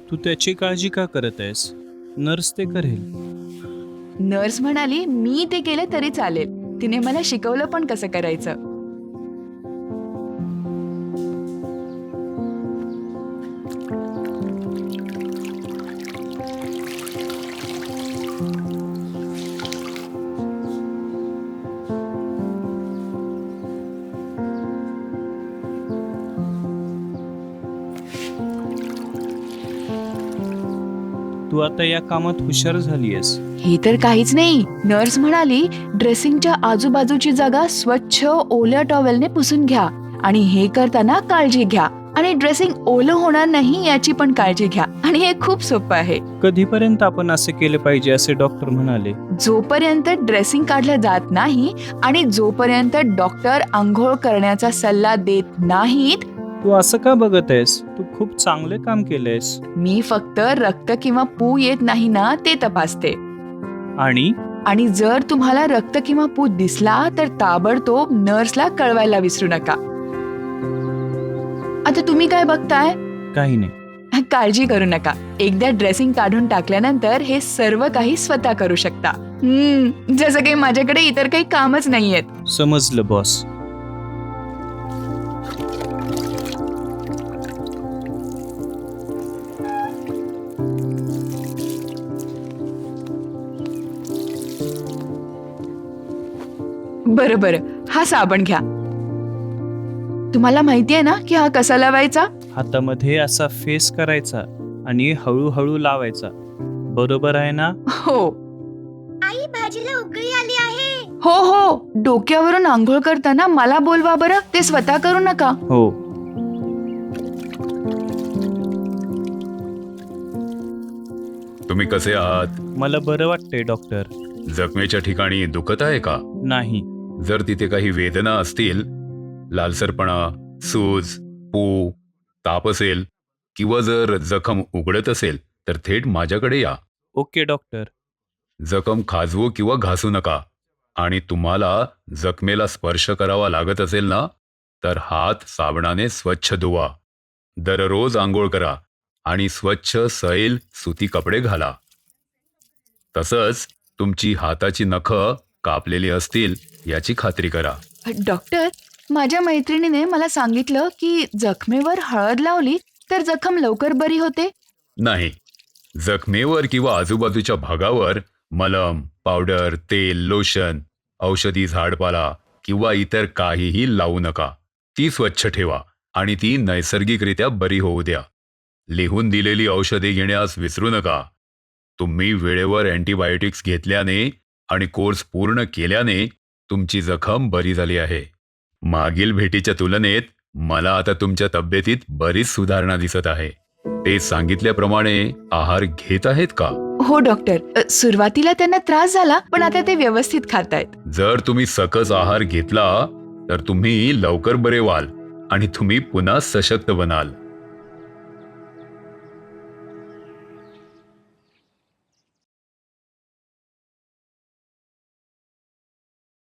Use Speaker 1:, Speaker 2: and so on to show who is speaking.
Speaker 1: तू त्याची काळजी का करत आहेस? नर्स ते करेल.
Speaker 2: नर्स म्हणाली मी ते केलं तरी चालेल. तिने मला शिकवलं पण कसं करायचं.
Speaker 1: तू आता या कामात हुशार झालीयस.
Speaker 2: हे तर काहीच नाही. नर्स म्हणाली ड्रेसिंगच्या आजूबाजूची जागा स्वच्छ ओल्या टॉवेलने पुसून घ्या आणि हे करताना काळजी घ्या आणि ड्रेसिंग ओलं होणार नाही याची पण काळजी घ्या आणि हे खूप सोपं आहे.
Speaker 1: कधीपर्यंत आपण असे केले पाहिजे असे डॉक्टर म्हणाले?
Speaker 2: जोपर्यंत ड्रेसिंग काढलं जात नाही आणि जोपर्यंत डॉक्टर आंघोळ करण्याचा सल्ला देत नाहीत.
Speaker 1: तू असं का बघत आहेस? तू खूप चांगले काम केलंयस.
Speaker 2: मी फक्त रक्त किंवा पू येत नाही ना ते तपासते.
Speaker 1: आणि
Speaker 2: जर तुम्हाला रक्त किंवा पू दिसला तर ताबडतोब नर्सला कळवायला विसरू नका. आता तुम्ही काय बघताय?
Speaker 1: काही नाही.
Speaker 2: काळजी करू नका. एकदा ड्रेसिंग काढून टाकल्यानंतर हे सर्व काही स्वतः करू शकता. जसं काही माझ्याकडे इतर काही कामच नाहीयेत.
Speaker 1: समजलं बॉस.
Speaker 2: बरं हा साबण घ्या. तुम्हाला माहितीये ना की हा कसा लावायचा?
Speaker 1: हातामध्ये असा फेस करायचा आणि हळूहळू लावायचा. बरोबर आहे ना?
Speaker 2: हो
Speaker 3: आई, भाजीला उकळी आली आहे.
Speaker 2: हो डोक्यावरून आंघोळ करताना मला बोलवा बरं. ते स्वतः करू नका.
Speaker 1: हो.
Speaker 4: तुम्ही कसे आहात?
Speaker 1: मला बरं वाटतंय डॉक्टर.
Speaker 4: जखमेच्या ठिकाणी दुखत आहे का?
Speaker 1: नाही.
Speaker 4: जर तिथे काही वेदना असतील, लालसरपणा, सूज, पू, ताप असेल किंवा जर जखम उघडत असेल तर थेट माझ्याकडे या.
Speaker 1: Okay doctor.
Speaker 4: जखम खाजवू किंवा घासू नका आणि तुम्हाला जखमेला स्पर्श करावा लागत असेल ना तर हात साबणाने स्वच्छ धुवा. दररोज आंघोळ करा आणि स्वच्छ सैल सुती कपडे घाला. तसंच तुमची हाताची नखं कापलेली असतील याची खात्री करा.
Speaker 2: डॉक्टर, माझ्या मैत्रिणीने मला सांगितलं की जखमेवर हळद लावली तर जखम लवकर बरी होते.
Speaker 4: नाही, जखमेवर किंवा आजूबाजूच्या भागावर मलम, पावडर, तेल, लोशन, औषधी झाडपाला किंवा इतर काहीही लावू नका. ती स्वच्छ ठेवा आणि ती नैसर्गिकरित्या बरी होऊ द्या. लिहून दिलेली औषधे घेण्यास विसरू नका. तुम्ही वेळेवर अँटीबायोटिक्स घेतल्याने आणि कोर्स पूर्ण केल्याने तुमची जखम बरी झाली आहे. मागील भेटीच्या तुलनेत मला आता तुमच्या तब्येतीत बरीच सुधारणा दिसत आहे. ते सांगितल्याप्रमाणे आहार घेत आहेत का?
Speaker 2: हो डॉक्टर, सुरुवातीला त्यांना त्रास झाला पण आता ते व्यवस्थित खातायत.
Speaker 4: जर तुम्ही सकस आहार घेतला तर तुम्ही लवकर बरे व्हाल आणि तुम्ही पुन्हा सशक्त बनाल.